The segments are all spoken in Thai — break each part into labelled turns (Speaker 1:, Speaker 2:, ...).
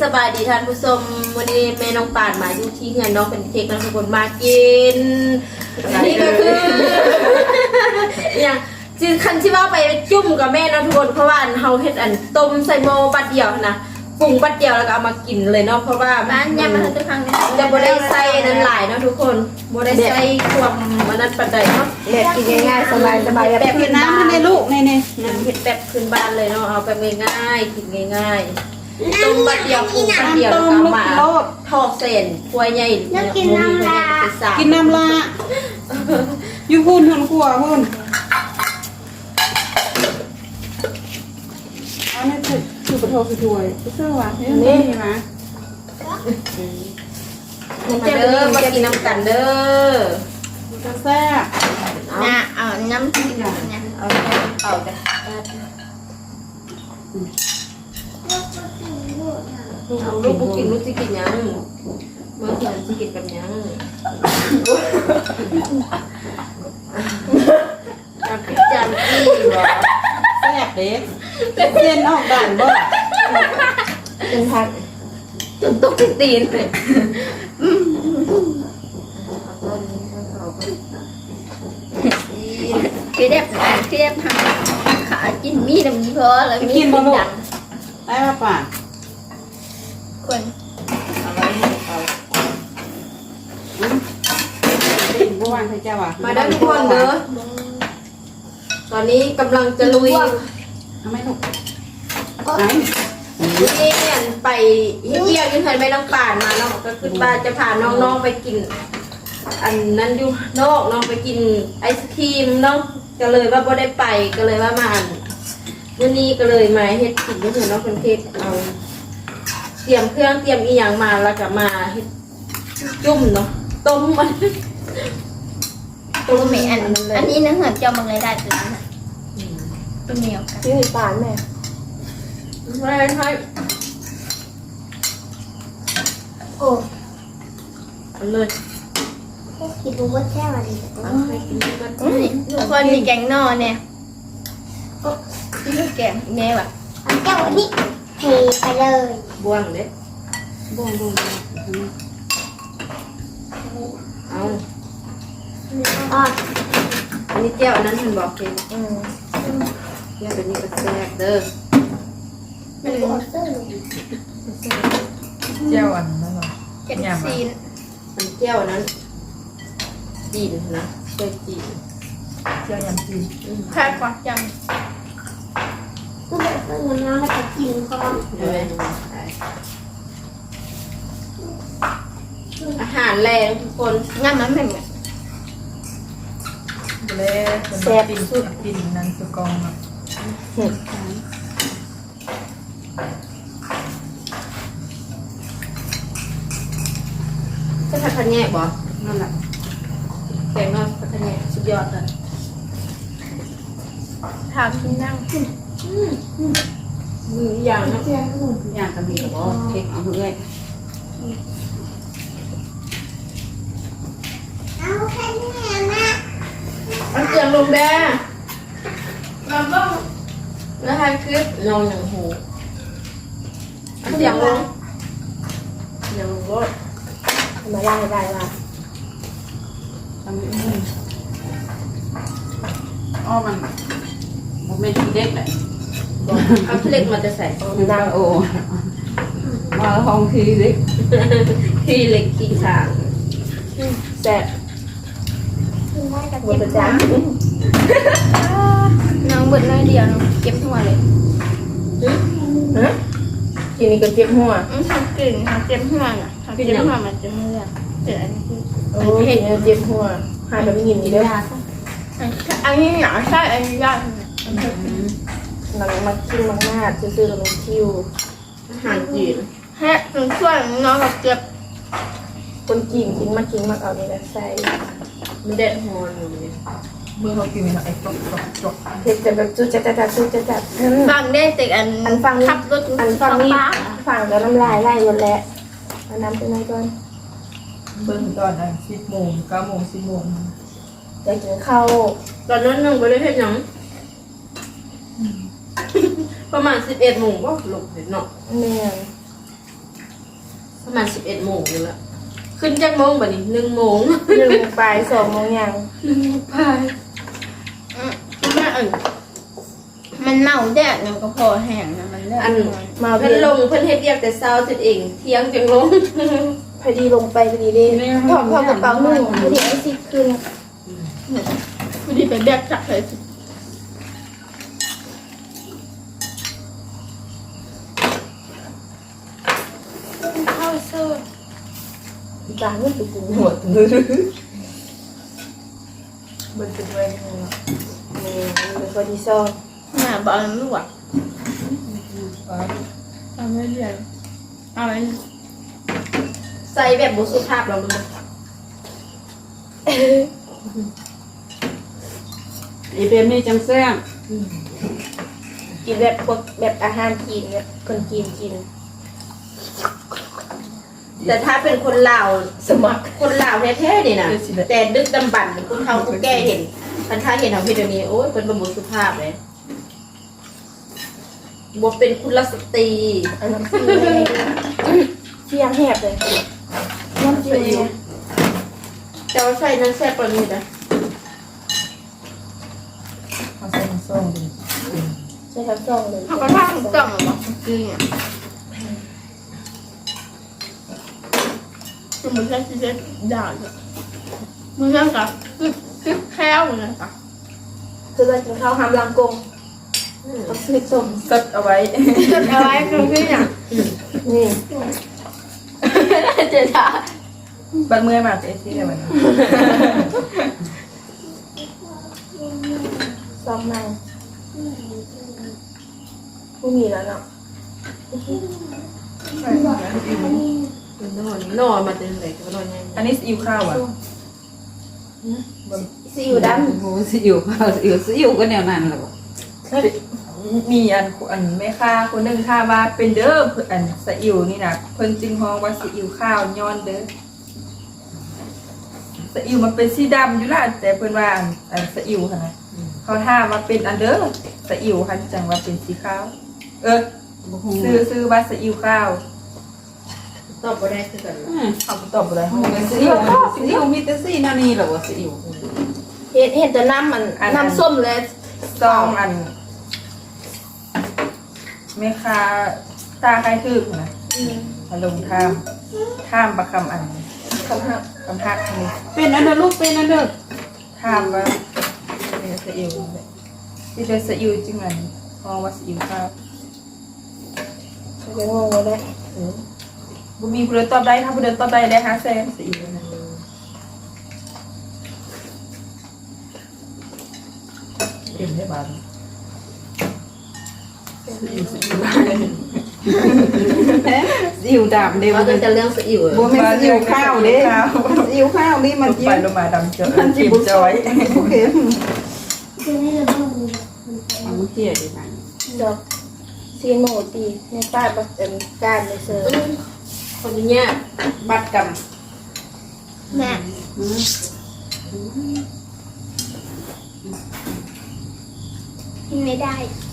Speaker 1: บายดีท่านผู้ชมวันนี้แม่น้องป่านมาอยู่ที่เฮือนน้องเป็นเค้กน้องทุกคนมากินนี่ก็คืออย่างจริงคันที่ว่าไปจุ่มกับแม่น้องทุกคนเพราะว่าเฮาเฮ็ดอันต้มใส่หม้อบัดเดียวนะปรุงบัดเดียวแล้วก็เอามากินเลยเนาะเพราะว่าบ้านเนี่ยมันจะพังจะบ่ได้ใส่นั้นหลายเนาะทุกคนบ่ได้ใส่ความมันนั้นปานใดเนาะแบบกินง่ายๆสบายแบบ
Speaker 2: กินน้ำมันในลูกนี่
Speaker 1: เฮ็ดแบบพื้นบ้านเลยเนาะเอาแบบง่ายๆกินง่ายๆต้มบัดเดียวปรุงบัดเดียวแล้วก็มาทอดเส้นถ้วยใหญ่กินน้ำลา
Speaker 2: อยู่พูนทนกลัวพูนอันนี้คือกระโถกถ้วยเสื้อวะนี่มา
Speaker 1: เด้อมากินน้ำกันเด้อ
Speaker 2: จะแซ่บ
Speaker 3: นะเอาน้ำจิ้มนะเอาไป
Speaker 1: เอาลูกบุกินลูกจะกินยังเมื่อกี้จะกินกับยังจำจี้หรอ
Speaker 2: แซ่บเด็กเส้นออกด่านบ่
Speaker 1: เป็นพักจนตกตีนเลย
Speaker 3: คือđẹpทำขาจิ้นมีน้ำมีเพอแล้วมี
Speaker 2: กินบ่ลูกได้ป่ะป่ะ
Speaker 3: คน
Speaker 2: เอาไว้เอาเมื่อวานใครเจ้าอ่ะ
Speaker 1: มาได้ทุกคนเด้อตอนนี้กำลังจะลุย
Speaker 2: ทำไมลูก
Speaker 1: ไหนนี่ไปเยี่ยมยังเคยไม่ต้องป่านมาเนาะก็คือป้าจะพาน้องๆไปกินอันนั้นอยู่นอกน้องไปกินไอศครีมเนาะก็เลยว่าบ่ได้ไปก็เลยว่ามาวันนี้ก็เลยมาเฮ็ดกินก็คือน้องคนเทศเอาเตรียมเครื่องเตรียมอีหยังมาแล้วก็มาเฮ็ดจุ่มเนาะต้มมัน
Speaker 3: ตัวเมียอันนี้นะเหมือนจะมาเลยได้ตัวนั้นตัวเหนียวกัน
Speaker 1: นี่ป่านแม่ไม่ใช่
Speaker 3: โอ้
Speaker 1: เลย
Speaker 3: คิดดูว่าแค่อะไรทุกคนมีแกงนอเนี่ยที่แกงแม่แบบ
Speaker 4: เจ้าวันนี้เทไปเลย
Speaker 1: บ่วงเด้บ่วงเอาอันนี้เจ้าอันนั้นมันบอกเองเจ้าตัวนี้ก็แซ่บเด้อ
Speaker 3: มันก็เสื้อ
Speaker 2: เจ้าอันนั้นหรอ
Speaker 3: เจ็ดซีน
Speaker 1: มันเจ้านั้นจีนนะเจ้าจีน
Speaker 2: เจ้ายำจีน
Speaker 3: แค่กว่าจัง
Speaker 4: ก็แบบเงินน้ำแล้วก็กินพร้อม
Speaker 1: อาหารแรงทุกคน
Speaker 3: งั้นมันเหมือน
Speaker 2: แซ่บสุดกินนั่นสุกองอ่ะ
Speaker 1: จะผัดคะแนนบ่
Speaker 2: นั่นแหละ
Speaker 1: แกงนอดผัดคะแนนสุดยอดเลย
Speaker 3: ถามที่นั่ง
Speaker 1: มืออย่างนะ
Speaker 2: อย่างกระบี่กับบ่เค้กเอาเลย
Speaker 4: เอาแค่นี้นะ
Speaker 1: เอาเสียงลงแดงเราต้องแล้วให้คลิปลงอย่างหูเอาเสียงลงอย่างรถมาได้ว่า
Speaker 2: ทำให้อ้อมันไม่ทีเด็กเลย
Speaker 1: เอาเล็กมาจะใส่
Speaker 2: ดังโอมาห้องทีเล็ก
Speaker 1: ที่เล็กที่สางแซ่บ
Speaker 4: กินได้กับ
Speaker 1: หมดจ้า
Speaker 3: น้องเบิดน้อยเดียวน้องเก็บหัวเลย
Speaker 1: ทีนี้ก็เจ็บหัว
Speaker 3: ทำกลิ่นทำเจ็บหัวน่ะทำเจ็บหัวมันจะเมื่อยแต่อันนี้คือ
Speaker 1: โอ้เห็นเจ็บหัวหายแบบยินดีด้วย
Speaker 3: อันนี้หนาใช่อันนี้ยาก
Speaker 1: หลังมาคิวมากๆซื่อๆแล้วมันคิวอาหารจีน
Speaker 3: แฮะถึงช่วยน้องกับเจ็บ
Speaker 1: คนจีนกินมาเอานี่แหละใส่มันเด็ดหัวอยู่เลย
Speaker 2: เมื่อเขากินไอ้จก
Speaker 1: เผ็ดแต่แบบจุดจัด
Speaker 3: ฟังได้แต่
Speaker 1: อันฟัง
Speaker 3: ขับรถ
Speaker 1: อันฟังนี่ฟังแล้วน้ำลายไหลหมดแล้วเอาน้ำไปไหนก่อน
Speaker 2: เบิ่งตอนนั้น10 โมง 9 โมง 10 โมง
Speaker 1: อยากกินข้าวตอนนั้นนึงก็ได้เห็นยังประมาณ11 โมงก็หลบเห็นเนาะ
Speaker 4: แม่
Speaker 1: ประมาณ11 โมงนี่แหละขึ้นจากโมงบัดนี้1 โมง
Speaker 2: 1 ปลาย 2 โมงยัง
Speaker 1: พาย
Speaker 3: มันเมาแดดมันก็พอแห้งนะมันเลิก
Speaker 1: อัน
Speaker 2: มา
Speaker 1: เพิ่นลงเพิ่นเฮ็ดเรียกแต่เช้าจนเองเที่ยงจังลง
Speaker 2: พอดีลงไปพอดีเลยถอดกระเป๋าหนึ่งพอดีไอ้สิขึ้น
Speaker 3: พอดีไปแบกจับเลยสิ
Speaker 2: เข้าเสื้อจานนี่เป็นหัวมือมันเป็นไว้ยังไงเนาะนี่มันเป็นพอดีซ่อน
Speaker 3: หน้าบอลลูกอ่ะเอาไม่เรียนเอาไม่
Speaker 1: ใส่แบบบ่สุภาพเราดู
Speaker 5: อีเป็นนี่จังแซ่บ
Speaker 2: กินแบบพวกแบบอาหารจีนแบบคนจีนกิน
Speaker 1: แต่ถ้าเป็นคนลาว
Speaker 2: สมัคร
Speaker 1: คนลาวแท้ๆนี่นะแต่ดึกดำบรรพ์คนเฒ่าคนแก่เห็นคันถ้าเห็นเอาเฮ็ดเดี๋ยวนี้โอ้ยเป็นบ่สุภาพเลยบ่เป็นกุลสตรี
Speaker 2: อันน้ำซีเสียงแหบเลยน้ำจีนเนี่ย
Speaker 1: แต่ว่าใส่นั้นแซ่บกว่านี้นะ
Speaker 2: เอาใส่น้ำส้มดิใส่น้ำส้มเลย
Speaker 3: เขาก็ทำกล่องหรอจริงอ่ะคือมันแค่ที่จะด่าเลยมันนั่งกับคือแค่วเหมือนกันค่ะ
Speaker 2: คือเรากินข้าวหามลังกงเอาพริกส้มสดเอาไว้
Speaker 3: จะเอาไว้ตรงที่เนี่ย
Speaker 2: นี่
Speaker 1: เจ๊จ้า
Speaker 2: บัดเมื่อยมาเจ๊ที่ไหนมันซ้อมมาไม่มีแล้วเนาะ
Speaker 1: นอนมาเป็นเลยก็นอนยัง
Speaker 2: อันนี้ซีอิ๊วข้าวอ่ะ
Speaker 1: ซีอิ๊วด
Speaker 5: โอ้สิอยู่ข้าวสิอยู่ก็แนวนั้นแหละ
Speaker 2: มีอันแม่ค้าคนหนึ่งค่ะว่าเป็นเด้ออันซีอิ๊วนี่นะเพิ่นจึงฮ้องว่าซีอิ๊วข้าวย้อนเด้อซีอิ๊วมันเป็นสีดำอยู่ล่ะแต่เพิ่นว่าอันซีอิ๊วค่ะนะเขาถามว่าเป็นอันเด้อซีอิ๊วค่ะจังว่าเป็นสีขาวซื้อว่าซีอิ๊วข้าว
Speaker 1: ตอบบ่ได้คือกัน
Speaker 2: เขาตอบอะไร
Speaker 5: สิอยู่มีแต่สินานี่แหละว่าสิอยู่
Speaker 2: เห็นแต่น้ำมันน้ำส้มเลยซองอันแม่ค้าตาใครทึกนะมาลงท่ามประคำอันคำหักนี่
Speaker 5: เป็นอันเด้อลูกเป็นอันเด้อ
Speaker 2: ท่ามว่าเป็นซีอิ๊วที่เป็นซีอิ๊วจริงอันมองว่าซีอิ๊วข้าวจะงงเลยบุมีผู้เดินตอบได้ถ้าผู้เดินตอบได้ได้5 แสนซีอิ๊วนะเอ็มได้บ้าง
Speaker 5: สิอยู่ดำเด้
Speaker 1: ว่า
Speaker 5: บ่
Speaker 1: จะเรื่องซีอิ๊ว
Speaker 5: แม่นสิอยู่ข้าวเด้สิอยู่ข้าวนี่มัน
Speaker 2: ไปลงมาดำเจอ
Speaker 5: มันสิ
Speaker 2: จิ้ม
Speaker 5: บ่
Speaker 2: จ
Speaker 5: จ
Speaker 2: อ
Speaker 5: อย ยโอเค
Speaker 4: จะไม่ระเบิดเลย
Speaker 5: เอาเที่ยดิบัด
Speaker 2: ดอกซีโมตีในป้ายบักเป็นการในเซอร์
Speaker 1: คนเนี้ยบัตรกรรม
Speaker 3: แม่กินไม่ได้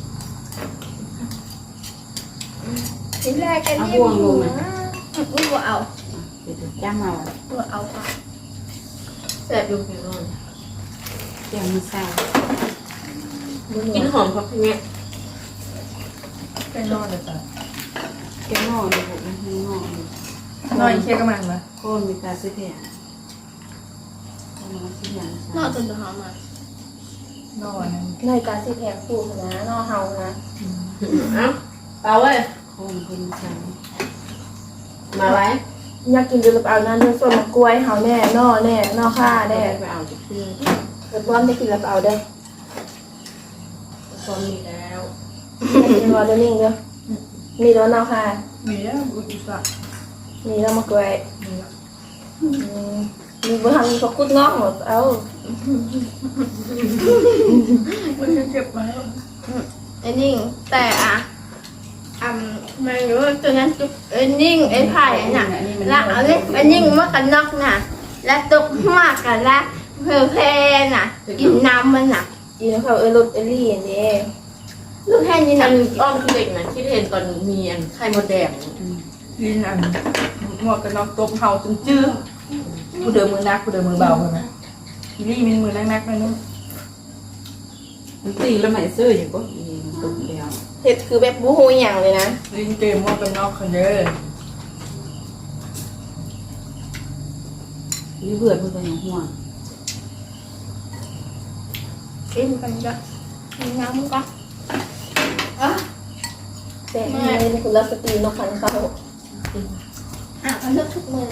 Speaker 3: กินแรกกัน
Speaker 5: เอา
Speaker 3: นี่
Speaker 5: บ่วงลงนะ
Speaker 3: อุ้ยว่าเอา
Speaker 5: เดี๋ยวจ้างเอา
Speaker 3: ว่าเอาค่ะ
Speaker 1: แซ่บอยู่พี่น้อง
Speaker 5: แกงมื้อเช้า
Speaker 1: กินหอมเพราะพวกเนี้ย
Speaker 2: เป็นนอนเลยจ้ะ
Speaker 5: แกงหม้อนี่บ่มีหม้อน
Speaker 2: อนเคี้ยวกับมันมา
Speaker 5: โคนมีกาสิเที่ยเอาสิอย่าง
Speaker 3: นอกจนจะหอมมาน
Speaker 2: อนในการสิแพงคู่นะนอเฮานะ
Speaker 1: เอ้าเอาเว้ย
Speaker 5: โคนเพิ่นใช้
Speaker 1: มาไว้
Speaker 2: อยากกินดูหรือเปล่านั่นด้วยส่วนกล้วยเฮาแน่นอแน่นอข้าแน่
Speaker 1: ไปเอาจากที่
Speaker 2: เกิดว่าไม่กินแล้วเอาได้
Speaker 1: ตอนนี้แล้ว
Speaker 2: กินรอเดนิ่งเด้อมีแล้วนอข้า
Speaker 3: มีแล้วอุจจาระ
Speaker 2: มีแล้วมากล้วยมีบุหังมีพกุดงอกหมดเอา
Speaker 3: มันจะเก็บไว้ไอ้นิ่งแต่ไม่รู้ตัวนั้นจุกไอ้นิ่งไอ้ไผ่น่ะแล้วเอาเลยไอ้นิ่งมากันนอกน่ะแล้วตกมากกันละเพลน่ะกินน้ำมันน่ะ
Speaker 2: อีนเขารถเอลี่อย่างนี้
Speaker 3: ลูกแค่นี้
Speaker 1: อั
Speaker 3: น่ะ
Speaker 1: นอ้อมคือเด็กนะที่เห็นตอนมีอันไข่มดแดง
Speaker 2: ลินอันหมวกกันน็อกตบเฮาจนจื้อกูเดินมือนักกูเดินมือเบาเลยนะอีลี่มันมือนักๆเลยนู้น
Speaker 5: มันตีแล้วไม่ซื้ออย่างก็อีตุ่มแล้ว
Speaker 3: เห็ดคือแบบบูฮูอย่างเลยนะ
Speaker 2: ลินเกมหมวกกันน็อกคนเยอะ
Speaker 5: นี่เบื่อเพื่อนอย่างห่วง
Speaker 3: กินกันจ้ะน้ำก็แต่ในคุณรัสตีนกขันเขาเขาเลือกทุกมือ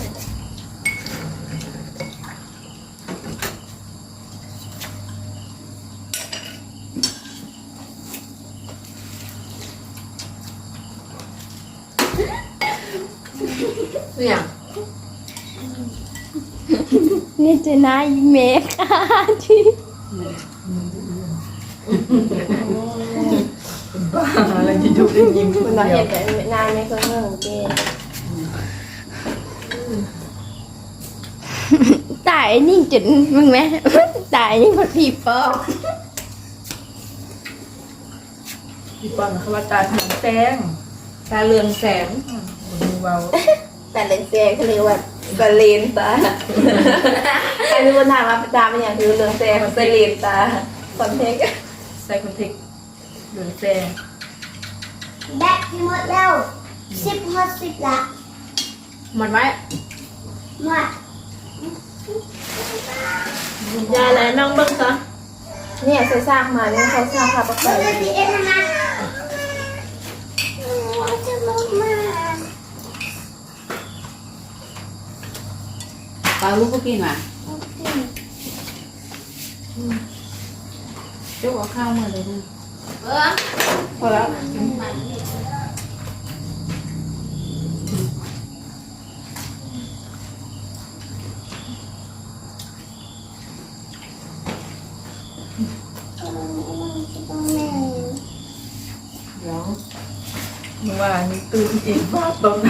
Speaker 1: เนี่ย
Speaker 3: นี่จะน่าเมคที่
Speaker 2: บ้าอะไรที่ทุกข์ยิ้ม
Speaker 3: คุณเราเห็นแต่นานไม่เคยเมื่อเกตายนี่จุดมึงไหมตายนี่มันผีปอบ
Speaker 2: พี่ปอนเขาว่าตาทางแตง
Speaker 1: ตาเรืองแสง
Speaker 2: มือเบา
Speaker 3: แต่เลนเซียเขาเรียกว่าสเลนตาใครรู้ว่าถามว่าตาเป็นอย่างคือเรืองแซงสเลนตาคอนเทนต์
Speaker 2: ใส่คอนเทคเหลืองแซง
Speaker 4: แบตหมดแล้ว10 ละ
Speaker 1: หมดไว้
Speaker 4: หมด
Speaker 1: ยายอะไรน้องเบิ้งซะ
Speaker 3: เนี่ยเขาสร้างมาเนี่ยเขาสร้างภาพประกอบ
Speaker 4: เดี๋ยวเอ็นนะจะลงมา
Speaker 5: ปลาลูกก็กินว่ะเจ้าเอาข้าวมาเลยนะ
Speaker 1: พอแล้ว
Speaker 5: เดี๋ยว
Speaker 2: เมื่อวานนี้ตื่นอีกฟาดตน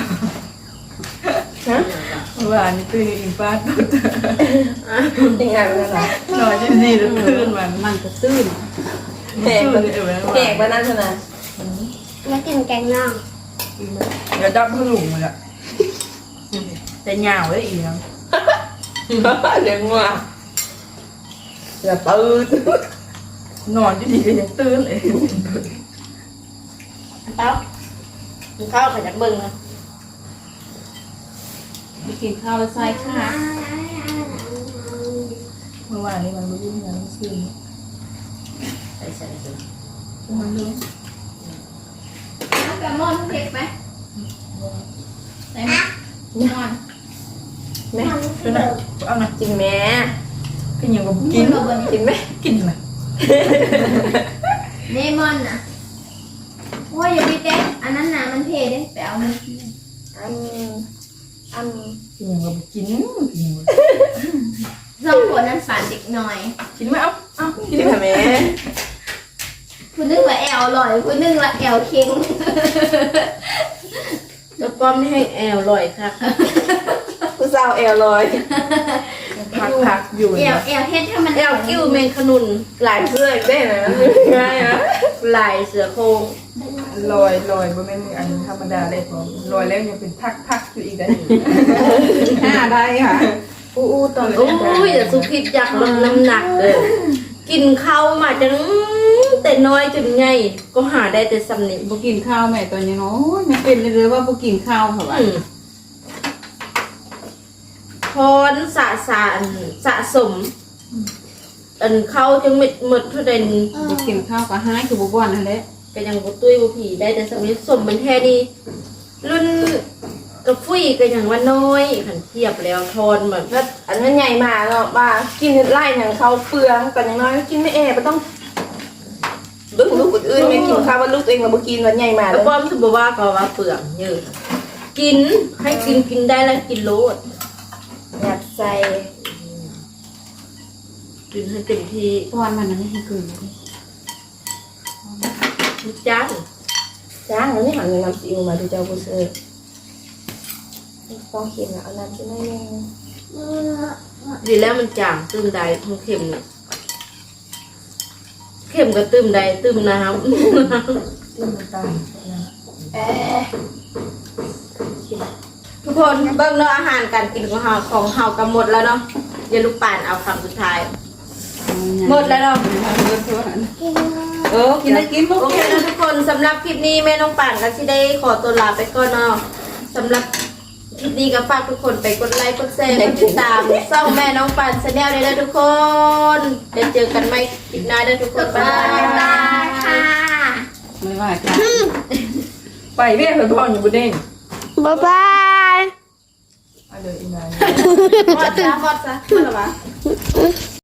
Speaker 2: เมื่อวานนี้ตื่นอีกฟาดตน
Speaker 3: จริงไงเป็นอะไร
Speaker 2: นอนจะดีแล้วตื่นมัน
Speaker 5: มันก็ตื้น
Speaker 3: แหก
Speaker 2: ตื่นเลย
Speaker 3: แหกมานั่นขนาด
Speaker 4: แล้วกินแกงน่อง
Speaker 2: เดี๋ยวดับพลุ่งเลยอะแต่ยาวเลยอีกนะ
Speaker 3: เลี้ยงว่าจะตื่น
Speaker 2: นอนจะดีก็ยังตื่นเลย
Speaker 1: เต้ากินข้าวขยันเบิ้งนะ
Speaker 5: ไปกินข้าวแล้วใส่ค่ะ
Speaker 2: เมื่อวานนี้มันรู้ยังไงมันซื่อ
Speaker 1: ใส่ใส่ใส่
Speaker 2: มันรู้
Speaker 3: กระมอนเผ็ดไหมไหนไหมมอนแม่
Speaker 2: คือนะเอานะ
Speaker 3: จริงแม่
Speaker 2: กินอย่างกับกิน
Speaker 3: กินไหม
Speaker 2: กินไหม
Speaker 3: เลมอนนะว่าอย่าไปเต้นอันนั้นนะมันเผ็ดเลยไปเอามันอัน
Speaker 2: กินอย่างกับกินกิน
Speaker 3: สองคนนั้นฝันเด็กหน่อย
Speaker 2: กินไหมเอากิน
Speaker 3: กินค่ะแม่คุณนึกว่าแอลอร่อยคุณนึกว่าแอลเค็ง
Speaker 1: แล้วป้อมนี่ให้แอลลอยค่ะ
Speaker 3: คุณสาวแอลลอย
Speaker 2: พักอยู่
Speaker 3: แอลเฮ็ดให้มัน
Speaker 1: แอลกิ้วเมงขนุน
Speaker 3: หลายเพื่อนได้นะง่ายนะ
Speaker 1: ลายเสือโครง
Speaker 2: ลอยบ่แม่นอันธรรมดาเลยผมลอยแล้วยังเป็นพักอยู่อีกได้
Speaker 5: 5ได้ค่ะ
Speaker 1: อู้ตอนโอ้ยแต่สุขิดอยากลดน้ำหนักเลยกินข้าวมาจนแต่น้อยจนใหญ่ก็หาได้แต่สำเนียง
Speaker 5: บ่กินข้าวแม่ตอนนี้เนาะไม่เป็นเลยว่าบ่กินข้าวเหรอวะ
Speaker 1: พรสะสมอันเข้าจังหมดเท่าใด
Speaker 5: บ่กินข้าวก็หายคือบ่บ่อนนั่นแหละ
Speaker 1: ก็ยังบ่ตุ้ยบ่ผีได้แต่สำเนียงสมมันแท้นี่รุ่นกระฟุ้ยก็ยังว่าน้อยขันเทียบแล้วทอนเหมือน
Speaker 3: อันนั้นใหญ่มาเนาะบ้ากินไล่อย่างเขาเปลืองแต่อย่างน้อยกินไม่แอบต้องลูกคนอื่นไม่กินข้าวว่าลูกตัวเองมาบุกินวันใหญ่มา
Speaker 1: แล้
Speaker 3: แล้ว ว
Speaker 1: ป้อมสุบว่าก็ว่าเปลืองเยอะกินให้กินได้แล้วกินโลด
Speaker 3: อยากใส่
Speaker 1: กินให้เต็มที่
Speaker 5: ตอนมันไม่ให้กินเลย
Speaker 1: ทุกจ้าน
Speaker 3: จ้างแล้วนี่หันเงินนำซีอิ๊วมาดูเจ้าบุเซอร์ต้องเค็มนะเอาน้ำจิ้มให้แม่
Speaker 1: ดีแล้วมันจางตื้มใดทั้งเค็มเนี่ยเค็มก็ตื้มใดตื้มน้ำ
Speaker 2: เรื่องต่าง
Speaker 3: เค็
Speaker 1: ทุกคนเบิ่งเนาะอาหารการกินของเฮาก็หมดแล้วเนาะเดี๋ยวลูกป่านเอาคำสุดท้ายหมดแล้วเนาะ
Speaker 5: กินได้กิน
Speaker 1: โอเคนะทุกคนสำหรับคลิปนี้แม่น้องป่านก็สิได้ขอตัวลาไปก่อนเนาะสำหรับคลิปนี้ก็ฝากทุกคนไปกดไลค์กดแชร์กดติดตามช่องแม่น้องป่านชาแนลเลยนะทุกคนเดี๋ยวเจอกันใหม่คลิปหน้าเด้อทุกคนบ๊าย
Speaker 3: บ๊าย
Speaker 1: บา
Speaker 3: บาย ยค่ะ
Speaker 5: ไม่ว่าค่ะ
Speaker 2: ไปแม่เพิ่นพ่ออยู่บนเด้ง
Speaker 4: บ๊ายบาย
Speaker 2: เอาเลยอีนาย
Speaker 1: ฮอดซะฮอดซะฮอดหรอวะ